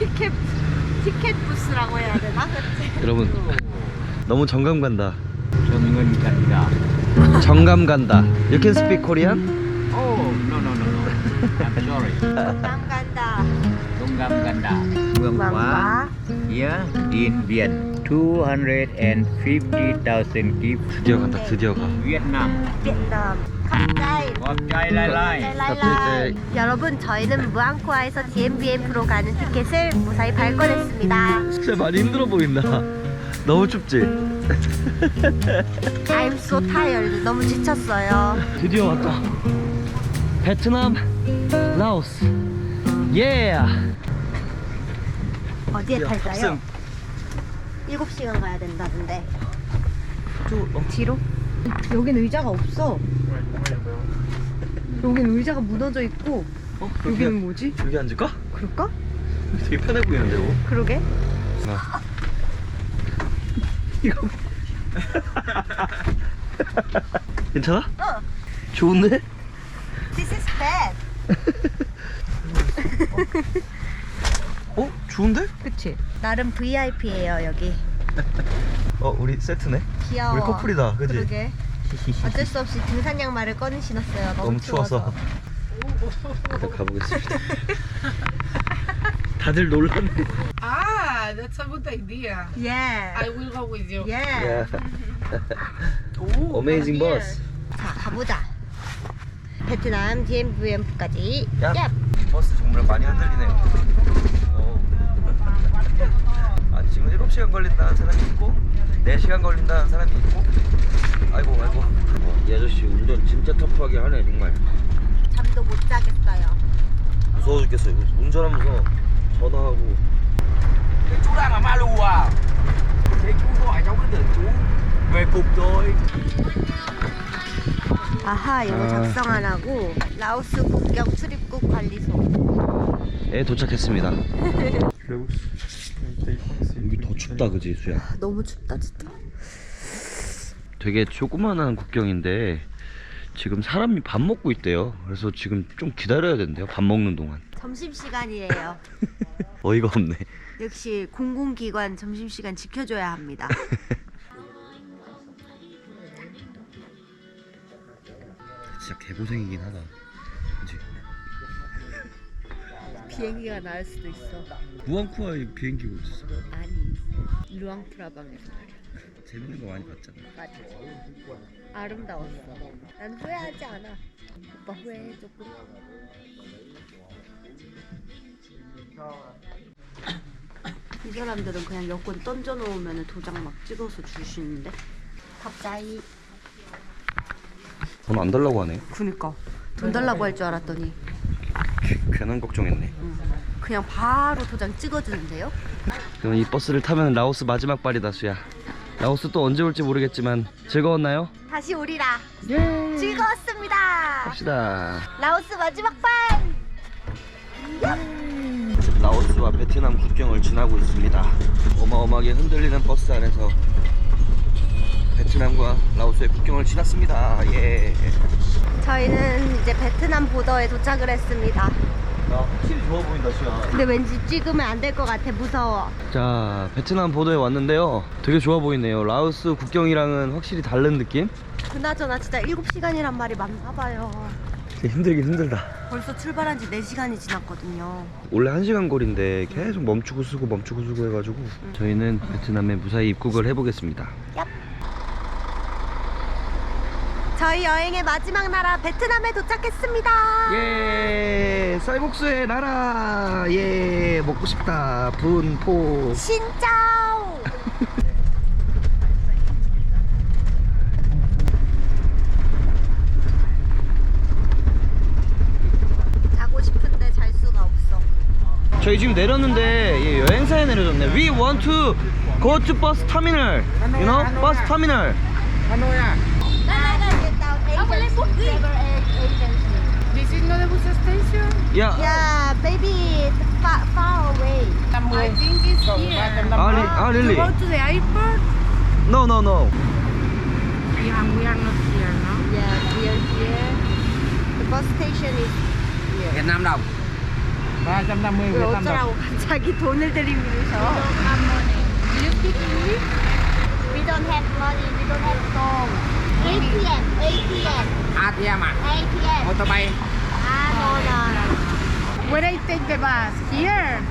티켓 부스라고 해야 되나? 그치? 여러분 너무 정감 간다. Songon ganda. 정감 간다. You can speak Korean? Oh, no. I'm sorry. 남 간다. Songgam ganda. Muang Hua. Here in Viet. 250,000 kip. 드디어 간다. 드디어 가. Vietnam. 베트남. 갑자이. Wapchai lai lai. 랄랄라. 여러분 저희는 무앙코아에서 DMBM으로 가는 티켓을 무사히 발권했습니다. 진짜 많이 힘들어 보인다. 너무 춥지? I'm so tired. 너무 지쳤어요. 드디어 왔다. 베트남, 라오스. 예. 어디에 탈까요? 7시간 가야 된다던데. 뒤로? 여긴 의자가 없어. 여긴 의자가 무너져 있고. 여기는 뭐지? 여기 앉을까? 그럴까? 되게 편해 보이는데 뭐. 그러게. 이거 괜찮아? 어. 좋은데? This is bad. 좋은데? 그치? 나름 VIP예요 여기. 우리 세트네. 귀여워. 우리 커플이다, 그치? 그러게. 어쩔 수 없이 등산 양말을 꺼내 신었어요. 너무 추워서. 일단 가보겠습니다. 다들 놀랐네. Ah, that's a good idea. Yeah. I will go with you. Yeah. Amazing bus. 자 가보자. 베트남 DMVM까지. 야. 야. 버스 정말 많이 흔들리네요. 지금 7시간 걸린다는 사람이 있고 4시간 걸린다는 사람이 있고. 아이고 이 아저씨 운전 진짜 터프하게 하네 정말. 잠도 못 자겠어요. 무서워 죽겠어요. 운전하면서 전화하고. Chú đang ở Malu à? Thế chú gọi cháu cứ tưởng chú về cục rồi. 아하 영어 작성 안 하고 라오스 국경 출입국 관리소에 도착했습니다. 여기 더 춥다 그지 수야? 너무 춥다 진짜. 되게 조그만한 국경인데 지금 사람이 밥 먹고 있대요. 그래서 지금 좀 기다려야 된대요. 밥 먹는 동안. 점심시간이에요. 어이가 없네. 역시 공공기관 점심시간 지켜줘야 합니다. 진짜 개고생이긴 하다. 그치? 비행기가 나을 수도 있어. 무앙코아에 비행기가 어딨어? 아니 루앙프라방에서 말이야. 재밌는 거 많이 봤잖아. 맞아. 아름다웠어. 난 후회하지 않아. 오빠 후회해 조금. 이 사람들은 그냥 여권 던져놓으면 도장 막 찍어서 주시는데. 갑자기. 돈 안 달라고 하네. 그니까 돈 달라고 할 줄 알았더니 괜한 걱정했네. 그냥 바로 도장 찍어주는데요? 그럼 이 버스를 타면 라오스 마지막 발이다 수야. 라오스 또 언제 올지 모르겠지만 즐거웠나요? 다시 오리라. 예. 즐거웠습니다. 갑시다. 라오스 마지막 반. 라오스와 베트남 국경을 지나고 있습니다. 어마어마하게 흔들리는 버스 안에서 베트남과 라오스의 국경을 지났습니다. 예. 저희는 이제 베트남 보더에 도착을 했습니다. 야, 확실히 좋아 보인다 수야. 근데 왠지 찍으면 안 될 것 같아. 무서워. 자, 베트남 보더에 왔는데요. 되게 좋아 보이네요. 라오스 국경이랑은 확실히 다른 느낌? 그나저나 진짜 7시간이란 말이 많나봐요. 힘들긴 힘들다. 벌써 출발한 지 4시간이 지났거든요. 원래 1시간 거리인데 계속 멈추고 쓰고 해가지고 저희는 베트남에 무사히 입국을 해보겠습니다. 얍. 저희 여행의 마지막 나라 베트남에 도착했습니다. 예, 쌀국수의 나라. 예, 먹고 싶다. 분포. 신짜오. 자고 싶은데 잘 수가 없어. 저희 지금 내렸는데 예, 여행사에 내려줬네. We want to go to bus terminal. You know, bus terminal. Hanoi à? This is not a bus station. Yeah. Yeah, baby, it's far away. I think it's here. Really? To go to the airport? No. We are not here, no? Yeah, we are here. The bus station is here. Việt Nam đồng. 350 왜 300. 어쩌라고 갑자기 돈을 들이밀으셔. Do you speak English? We don't have money, we don't have song. ATM, ATM, ATM à? ATM. Motorbike. Ah, no, no. Where I take the bus? Here.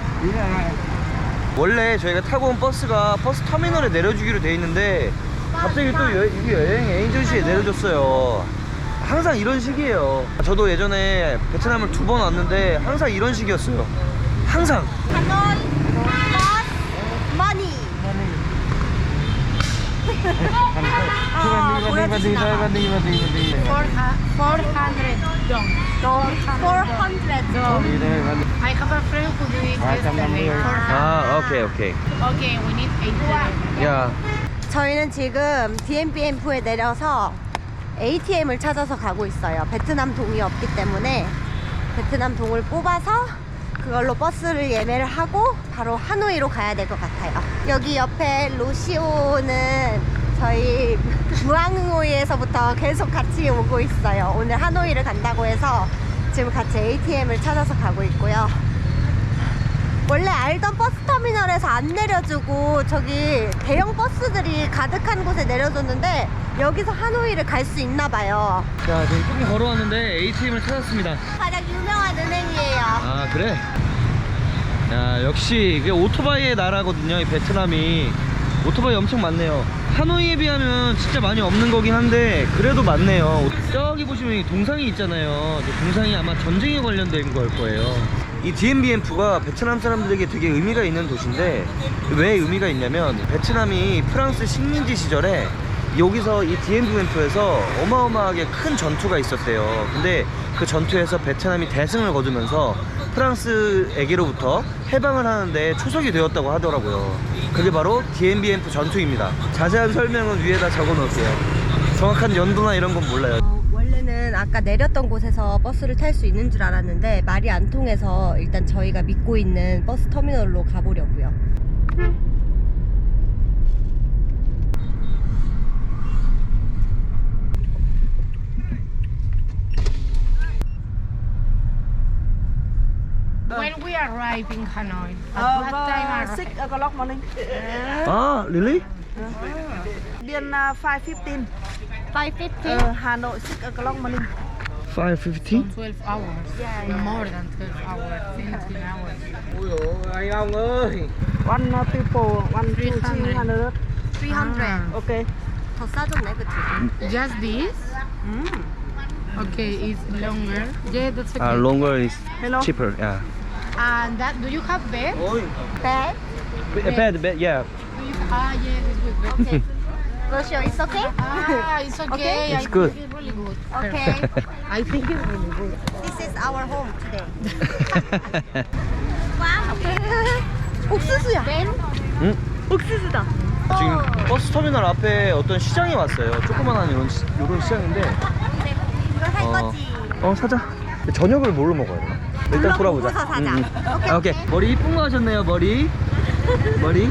원래 저희가 타고 온 버스가 버스 터미널에 내려주기로 돼 있는데 갑자기 또 여기 여행 에이전시에 내려줬어요. 항상 이런 식이에요. 저도 예전에 베트남을 2번 왔는데 항상 이런 식이었어요. 항상. Hanoi, bus, money. 보여주시나 봐. 400 dong. 400 dong. I have a friend who did it yesterday. 400. 아, 오케이. Okay, we need 8. 야, 저희는 지금 DMBM프에 내려서 ATM을 찾아서 가고 있어요. 베트남 동이 없기 때문에 베트남 동을 뽑아서 그걸로 버스를 예매를 하고 바로 하노이로 가야 될 것 같아요. 여기 옆에 로시오는 저희 무앙호이에서부터 계속 같이 오고 있어요. 오늘 하노이를 간다고 해서 지금 같이 ATM을 찾아서 가고 있고요. 원래 알던 버스 터미널에서 안 내려주고 저기 대형 버스들이 가득한 곳에 내려줬는데 여기서 하노이를 갈 수 있나 봐요. 자, 저희 조금 걸어왔는데 ATM을 찾았습니다. 가장 유명한 은행이에요. 아, 그래? 야, 역시 이게 오토바이의 나라거든요, 이 베트남이. 오토바이 엄청 많네요. 하노이에 비하면 진짜 많이 없는 거긴 한데 그래도 많네요. 저기 보시면 이 동상이 있잖아요. 저 동상이 아마 전쟁에 관련된 걸 거예요. 이 DMBM프가 베트남 사람들에게 되게 의미가 있는 도시인데 왜 의미가 있냐면 베트남이 프랑스 식민지 시절에 여기서 이 DMBM프에서 어마어마하게 큰 전투가 있었대요. 근데 그 전투에서 베트남이 대승을 거두면서 프랑스에게로부터 해방을 하는데 초석이 되었다고 하더라고요. 그게 바로 DMBM프 전투입니다. 자세한 설명은 위에다 적어 놓을게요. 정확한 연도나 이런 건 몰라요. 원래는 아까 내렸던 곳에서 버스를 탈 수 있는 줄 알았는데 말이 안 통해서 일단 저희가 믿고 있는 버스 터미널로 가보려고요. When we arrive in Hanoi, at what time arrive? 6 o'clock morning. 아, really? Then 5:15. 5:50? Hanoi 6 o'clock morning. 5:50? 12 hours. More than 12 hours. 17 hours. Ôi dồi, anh ông ơi. One people, 1, 2, 300. 300. Okay. 더 싸졌네, 그치? Just this? Okay, it's longer. Yeah, that's okay. Longer is Hello. cheaper. Yeah. And that, do you have bed? Ôi. Bed? Bed, yeah. Do you, yeah, this with bed. Okay. Rocio, it's okay? It's okay. Okay. It's I good. think it's really good. Okay. I think it's really good. This is our home today. wow. 옥수수야. 응? 옥수수다. 지금 버스 터미널 앞에 어떤 시장에 왔어요. 조그만한 이런 시장인데. 이걸 살 거지. 사자. 저녁을 뭘로 먹어야 되나? 일단 돌아보자. 둘러보고서 사자. 오케이, 아, 오케이. 오케이. 머리 이쁜 거 하셨네요, 머리. 머리.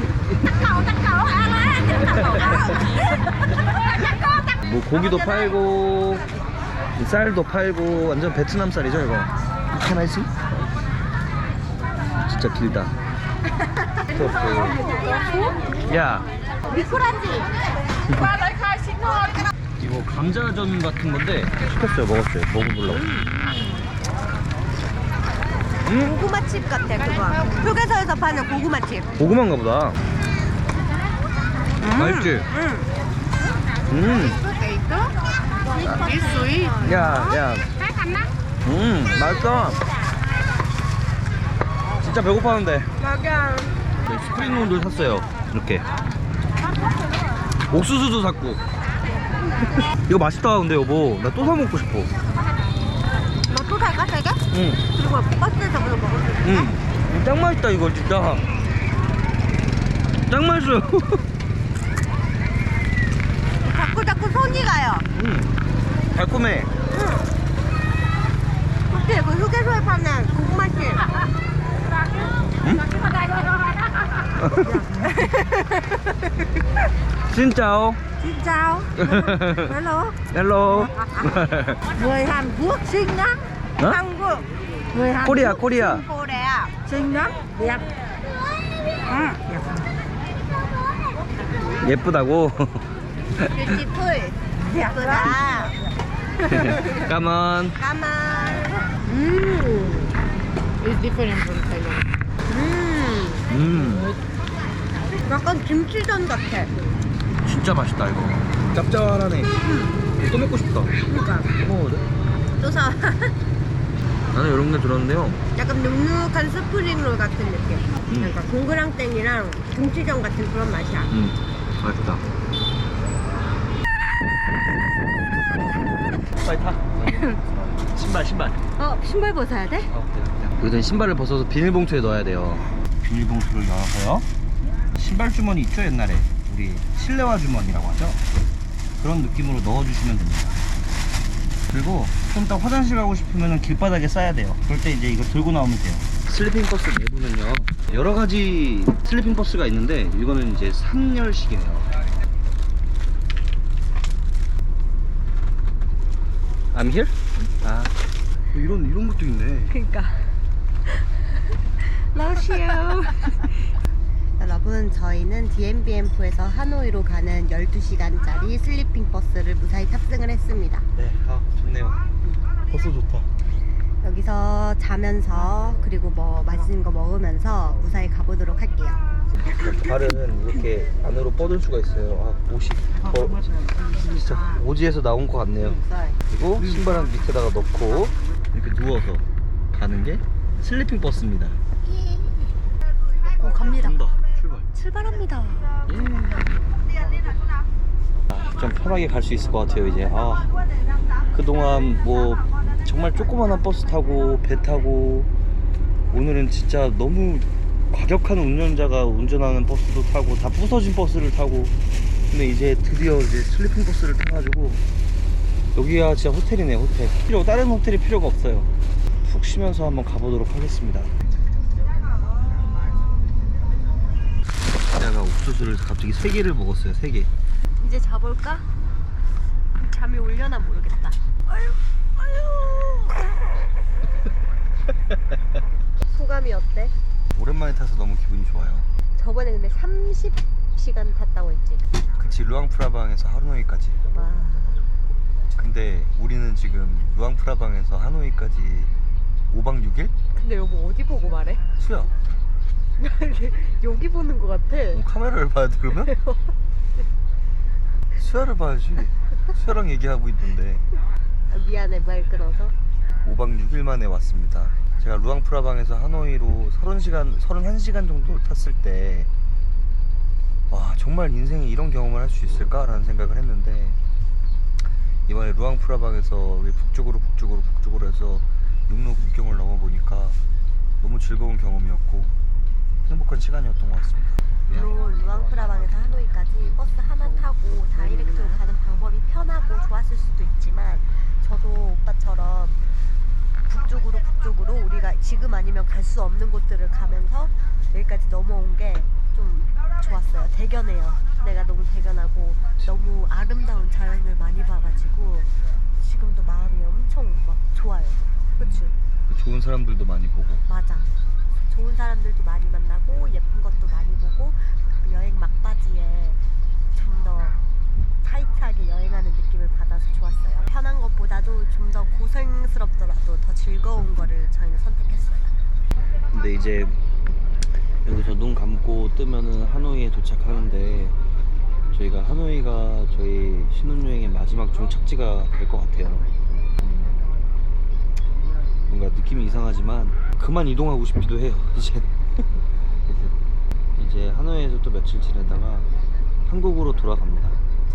뭐 고기도 팔고 쌀도 팔고 완전 베트남 쌀이죠 이거. 하나씩? 진짜 길다. 야. 미꾸라지. 이거 감자전 같은 건데 시켰어요. 먹었어요. 먹어보려고. 고구마칩 같아, 그거. 휴게소에서 파는 고구마칩. 고구마인가 보다. 맛있지? It's sweet. 야. 맛있어. 진짜 배고파는데. 네, 스프링롤도 샀어요. 이렇게. 옥수수도 샀고. 이거 맛있다, 근데 여보. 나 또 사 먹고 싶어. 너 또 살까, 세 개? 응. 그리고 버스에서 그거 먹을 수 있어? 응. 짱 맛있다, 이거 진짜. 짱 맛있어요. 자꾸 손이 가요. 달콤해. 그때 그 휴게소에 파는 고구마칩. 진짜오. Xin chào. Hello. 헬로. Người Hàn Quốc xinh á. Hả? Hàn Quốc. Người Hàn 코리아, Quốc 코리아. xinh cô đẹp. Xinh lắm. Đẹp. À, đẹp. 예쁘다고. 뷰티풀. 예쁘다. 까만. 까만. It's different from Thailand. 약간 김치전 같아. 진짜 맛있다 이거. 짭짤하네. 또 먹고 싶다. 그러니까. 먹어도 돼? 또 사. 나는 이런 게 들었는데요. 약간 눅눅한 스프링롤 같은 느낌. 그러니까 동그랑땡이랑 김치전 같은 그런 맛이야. 맛있다. 빨리 타. 신발. 신발 벗어야 돼? 여기서 신발을 벗어서 비닐봉투에 넣어야 돼요. 비닐봉투를 열어서요. 신발 주머니 있죠 옛날에 우리 실내화 주머니라고 하죠. 그런 느낌으로 넣어주시면 됩니다. 그리고 좀 이따 화장실 가고 싶으면 길바닥에 싸야 돼요. 그럴 때 이제 이거 들고 나오면 돼요. 슬리핑 버스 내부는요 여러 가지 슬리핑 버스가 있는데 이거는 이제 3열식이네요. I'm here? 아 이런 것도 있네. 그러니까. 러시아. 여러분 저희는 DMBM프에서 하노이로 가는 12시간짜리 슬리핑 버스를 무사히 탑승을 했습니다. 네, 좋네요. 버스 좋다. 여기서 자면서 그리고 뭐 맛있는 거 먹으면서 무사히 가보도록 할게요. 발은 이렇게 안으로 뻗을 수가 있어요. 옷이 진짜 오지에서 나온 것 같네요. 그리고 신발은 밑에다가 넣고 이렇게 누워서 가는 게 슬리핑 버스입니다. 갑니다. 간다. 출발. 출발합니다. 좀 편하게 갈 수 있을 것 같아요 이제. 그동안 뭐 정말 조그만한 버스 타고 배 타고 오늘은 진짜 너무 과격한 운전자가 운전하는 버스도 타고 다 부서진 버스를 타고 근데 이제 드디어 이제 슬리핑 버스를 타가지고 여기가 진짜 호텔이네. 호텔 다른 호텔이 필요가 없어요. 푹 쉬면서 한번 가보도록 하겠습니다. 제가 옥수수를 갑자기 3개를 먹었어요. 3개. 이제 자볼까? 잠이 올려나 모르겠다. 소감이 어때? 오랜만에 타서 너무 기분이 좋아요. 저번에 근데 30시간 탔다고 했지? 그치, 루앙프라방에서 하노이까지. 와. 근데 우리는 지금 루앙프라방에서 하노이까지 5박 6일? 근데 여보 어디 보고 말해? 수야. 여기 보는 것 같아. 카메라를 봐야 돼 그러면? 수야를 봐야지. 수야랑 얘기하고 있던데. 미안해 말 끊어서. 5박 6일 만에 왔습니다. 제가 루앙프라방에서 하노이로 31시간 정도 탔을 때 와 정말 인생에 이런 경험을 할 수 있을까? 라는 생각을 했는데 이번에 루앙프라방에서 북쪽으로 해서 육로 국경을 넘어보니까 너무 즐거운 경험이었고 행복한 시간이었던 것 같습니다. 물론 루앙프라방에서 하노이까지 버스 하나 타고 다이렉트로 가는 방법이 편하고 좋았을 수도 있지만 저도 오빠처럼 북쪽으로 우리가 지금 아니면 갈 수 없는 곳들을 가면서 여기까지 넘어온 게 좀 좋았어요. 대견해요. 내가 너무 대견하고 너무 아름다운 자연을 많이 봐가지고 지금도 마음이 엄청 막 좋아요. 그치? 좋은 사람들도 많이 보고. 맞아. 좋은 사람들도 많이 만나고 예쁜 것도 많이 보고 그 여행 막바지에 좀 더 타이트하게 여행하는 느낌을 받아서 좋았어요. 편한 것보다도 좀 더 고생스럽더라도 더 즐거운 거를 저희는 선택했어요. 근데 이제 여기서 눈 감고 뜨면은 하노이에 도착하는데 저희가 하노이가 저희 신혼여행의 마지막 종착지가 될 것 같아요. 뭔가 느낌이 이상하지만 그만 이동하고 싶기도 해요. 이제 하노이에서 또 며칠 지내다가 한국으로 돌아갑니다.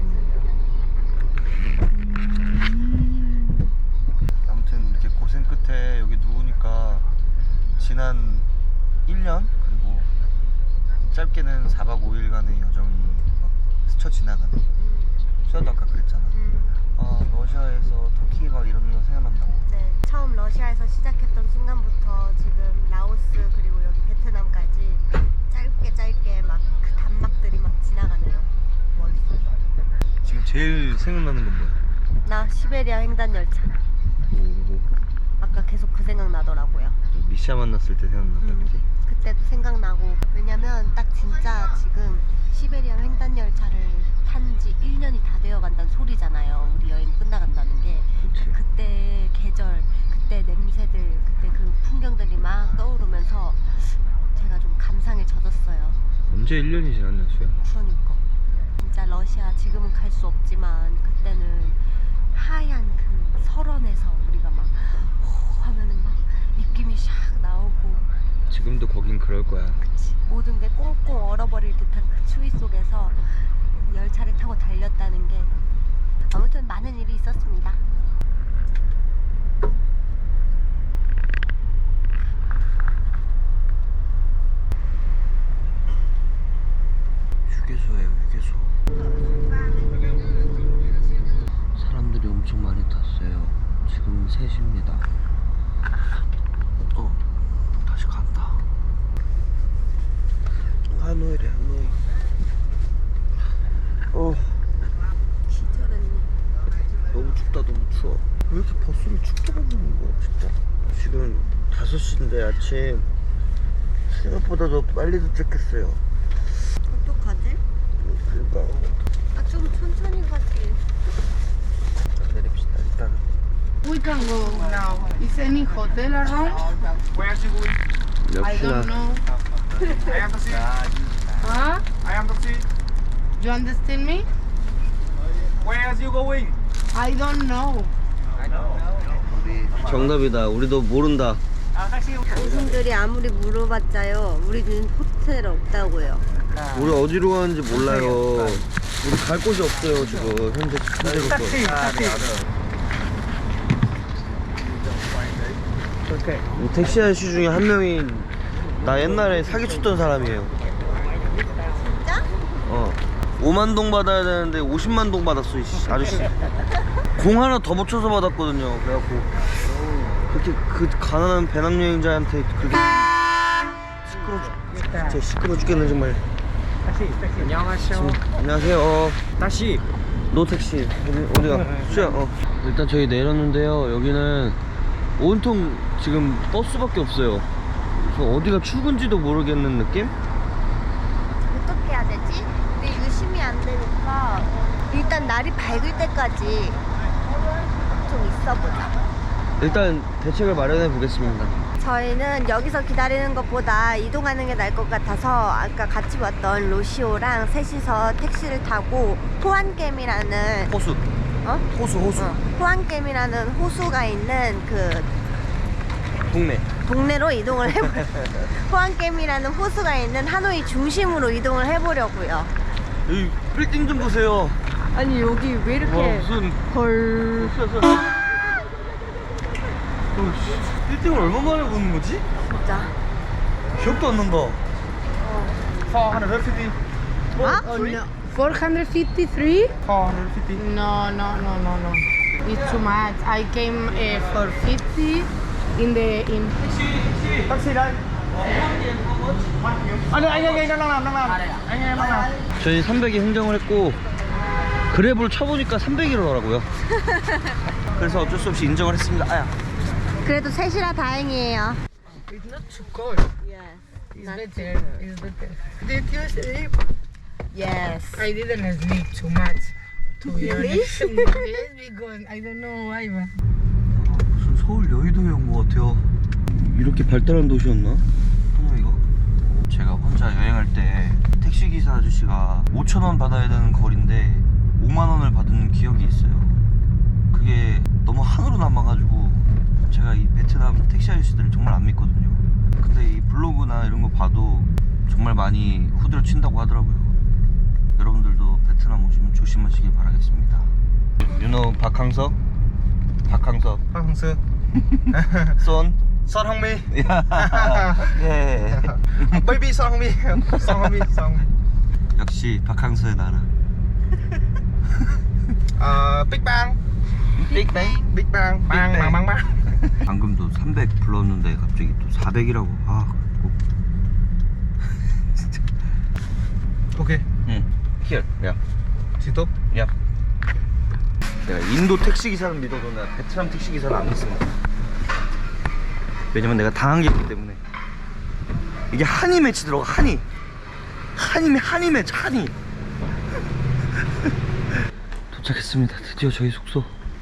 아무튼 이렇게 고생 끝에 여기 누우니까 지난 1년 그리고 짧게는 4박 5일간의 여정이 막 스쳐 지나가네. 수야도 아까 그랬잖아. 러시아에서 터키 막 이런 거 생각난다고. 네, 처음 러시아에서 시작했던 순간부터 지금 라오스 그리고 여기 베트남까지 짧게 막 그 단막들이 막 지나가네요. 머릿속에. 지금 제일 생각나는 건 뭐야? 나 시베리아 횡단 열차. 오, 아까 계속 그 생각 나더라고요. 이샤 만났을 때 생각난다, 그치? 그때도 생각나고. 왜냐면 딱 진짜 지금 시베리아 횡단 열차를 탄 지 1년이 다 되어 간다는 소리잖아요. 우리 여행 끝나간다는 게. 그치. 그때 계절, 그때 냄새들, 그때 그 풍경들이 막 떠오르면서 제가 좀 감상에 젖었어요. 언제 1년이 지났냐, 수야? 그러니까 진짜 러시아 지금은 갈 수 없지만 그때는 하얀 그 설원에서 우리가 막 하면은 막 입김이 샥 나오고, 지금도 거긴 그럴 거야. 그치, 모든 게 꽁꽁 얼어버릴 듯한 그 추위 속에서 열차를 타고 달렸다는 게 아무튼 많은 일이 있었습니다. 휴게소예요, 휴게소. 사람들이 엄청 많이 탔어요. 지금 3시입니다. 다시 간다. 하노이래, 하노이. 기절했네. 너무 춥다, 너무 추워. 왜 이렇게 버스를 춥게 만드는 거야, 진짜. 지금 5시인데 아침. 생각보다도 빨리 도착했어요. 어떡하지? 그러니까 아, 좀 천천히 가지. 내립시다, 일단. We can go now. Is any hotel around? Where is you going? I 역시나 don't know. I am taxi. Huh? I am taxi. You understand me? Where is you going? I don't know. 정답이다. 우리도 모른다. 당신들이 아무리 물어봤자요, 우리는 호텔 없다고요. 우리 어디로 가는지 몰라요. 우리 갈 곳이 없어요, 지금 현재 현재로서. 이 택시 아저씨 중에 한 명이 나 옛날에 사기쳤던 사람이에요. 진짜? 5만 동 받아야 되는데 50만 동 받았어, 이 아저씨. 공 하나 더 붙여서 받았거든요. 그래갖고 그렇게 그 가난한 배낭여행자한테 그렇게 진짜 시끄러 죽겠네 정말. 안녕하세요. 안녕하세요. 다시. 노 택시. 어디가? 수야. 일단 저희 내렸는데요. 여기는 온통 지금 버스밖에 없어요. 그래서 어디가 출근지도 모르겠는 느낌? 어떻게 해야 되지? 근데 유심히 안 되니까 일단 날이 밝을 때까지 좀 있어보자. 일단 대책을 마련해 보겠습니다. 저희는 여기서 기다리는 것보다 이동하는 게 나을 것 같아서 아까 같이 왔던 로시오랑 셋이서 택시를 타고 호안겜이라는 호수. 호수. 호안겜이라는 호수가 있는 그 동네로 이동을 해보려고. 호안겜이라는 호수가 있는 하노이 중심으로 이동을 해보려고요. 이 빌딩 좀 보세요. 아니 여기 왜 이렇게 와, 무슨 헐. 빌딩을 얼마 만에 보는 거지? 진짜. 기억도 안 난다. 450. 아? Oh no. 453? 450. No. It's too much. I came for 50 in the in. Taxi đây. Anh ơi, đang làm. Anh em đang làm. 저희 300에 행정을 했고 그랩을 쳐보니까 300이더라고요. 그래서 어쩔 수 없이 인정을 했습니다. 아야. 그래도 셋이라 다행이에요. It's not too cold. Yes. It's better. It's better. Did you sleep? Yes. I didn't sleep too much. To be honest. Yes, because I don't know why. But 무슨 서울 여의도에 온 것 같아요. 이렇게 발달한 도시였나? 하노이가? 제가 혼자 여행할 때 택시기사 아저씨가 5,000원 받아야 되는 거리인데 5만원을 받은 기억이 있어요. 그게 너무 한으로 남아가지고 제가 이 베트남 택시 아저씨들을 정말 안 믿거든요. 근데 이 블로그나 이런 거 봐도 정말 많이 후드려 친다고 하더라고요. 여러분들도 베트남 오시면 조심하시길 바라겠습니다. You know 박항석? 박항석 Hằng 손? Son Hong Mi. 예. Baby Son Hong Mi. Son Hong Mi. 역시 박항서의 나라. Big Bang. 빅뱅? Big Bang. Bang. 방금도 300 불렀는데 갑자기 또 400이라고. 진짜. Okay. 응. Here. 야. Stop. 야. 내가 인도 택시 기사는 믿어도 나 베트남 택시 기사는 안 믿습니다. 왜냐면 내가 당한 게 있기 때문에. 이게 한이 매치 들어가. 한이 매치. 한이. 도착했습니다. 드디어 저희 숙소.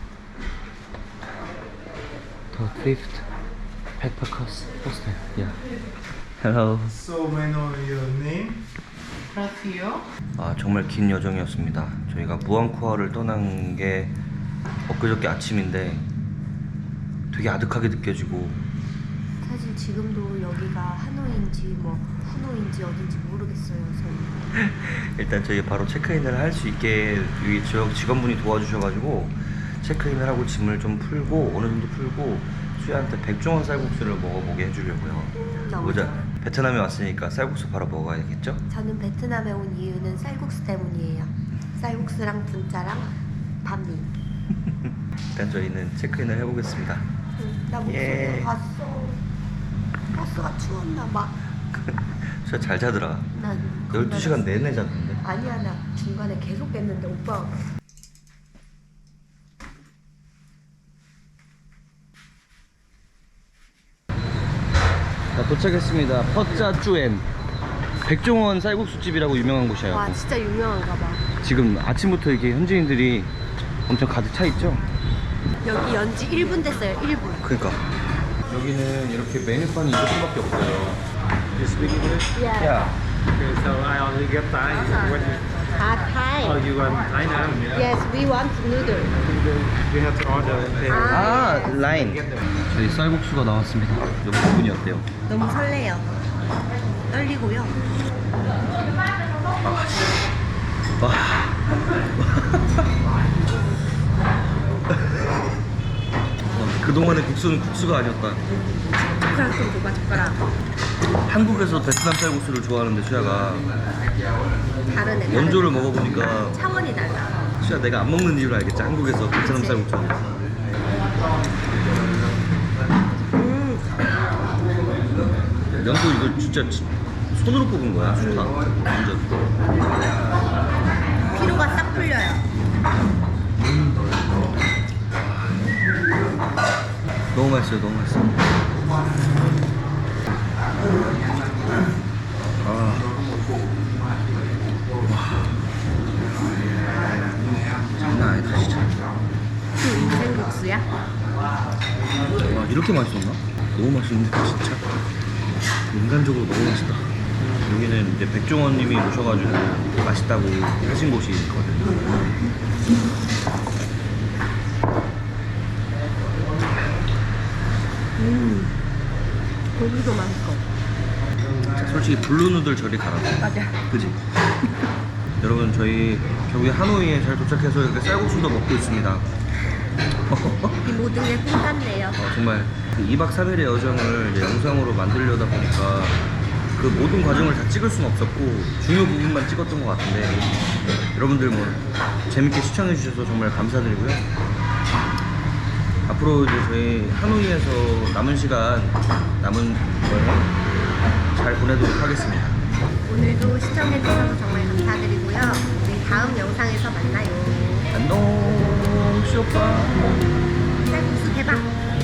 The Thrift Backpackers Hostel. Yeah. Hello. So may I know your name? Rocío. 아, 정말 긴 여정이었습니다. 저희가 무앙코아를 떠난 게 엊그저께 아침인데 되게 아득하게 느껴지고. 사실 지금도 여기가 하노이인지 뭐 후노인지 어딘지 모르겠어요. 저희. 일단 저희 바로 체크인을 할 수 있게 여기 지역 직원분이 도와주셔가지고 체크인을 하고 짐을 좀 풀고 어느 정도 풀고 수야한테 백종원 쌀국수를 먹어보게 해주려고요. 너무 보자. 좋아요. 베트남에 왔으니까 쌀국수 바로 먹어야겠죠? 저는 베트남에 온 이유는 쌀국수 때문이에요. 쌀국수랑 분짜랑 반미. 일단 저희는 체크인을 해보겠습니다. 나 목소리 예. 봤어. 버스가 추웠나 봐. 수야 잘 자더라. 난 12시간 내내 잤는데. 아니야, 나 중간에 계속 깼는데 오빠가 자, 도착했습니다. 퍼짜쭈엔 백종원 쌀국수집이라고 유명한 곳이에요. 와 진짜 유명한가 봐. 지금 아침부터 이렇게 현지인들이 엄청 가득 차 있죠? 여기 연지 1분 됐어요. 1분. 그러니까 여기는 이렇게 메뉴판이 이것밖에 없어요. You speak English? 야, Okay, so I only get Thai. What you, 아, Thai. oh, you want Thai now? Yes, we want noodle. You have to order and pay. 아, 라인. 저희 쌀국수가 나왔습니다. 몇 분이 어때요? 너무 설레요. 떨리고요. 와. 그동안의 국수는 국수가 아니었다. 젓가락 좀 줘봐, 젓가락. 한국에서 베트남 쌀국수를 좋아하는데 수야가 다르네. 원조를 먹어보니까 차원이 달라. 수야 내가 안 먹는 이유를 알겠지? 한국에서 베트남 그치. 쌀국수를. 면도 이거 진짜 손으로 뽑은 거야. 좋다. 완전. 피로가 싹 풀려요. 너무 맛있어요. 너무 맛있어. 아. 장난 아니다 진짜. 생국수야? 와, 이렇게 맛있었나? 너무 맛있는데 진짜. 인간적으로 너무 맛있다. 여기는 이제 백종원님이 오셔가지고 맛있다고 하신 곳이 있거든요. 고기도 맛있고. 자, 솔직히 블루누들 저리 가라. 맞아. 그지? 여러분 저희 결국에 하노이에 잘 도착해서 이렇게 쌀국수도 먹고 있습니다. 이 모든 게 꿈 같네요. 정말 그 2박 3일의 여정을 이제 영상으로 만들려다 보니까 그 모든 과정을 다 찍을 수는 없었고 중요 부분만 찍었던 것 같은데 여러분들 뭐 재밌게 시청해 주셔서 정말 감사드리고요. 앞으로 이제 저희 하노이에서 남은 시간 남은 여행 잘 보내도록 하겠습니다. 오늘도 시청해주셔서 정말 감사드리고요. 우리 다음 영상에서 만나요. 안녕 쇼파. 쌀국수 대박!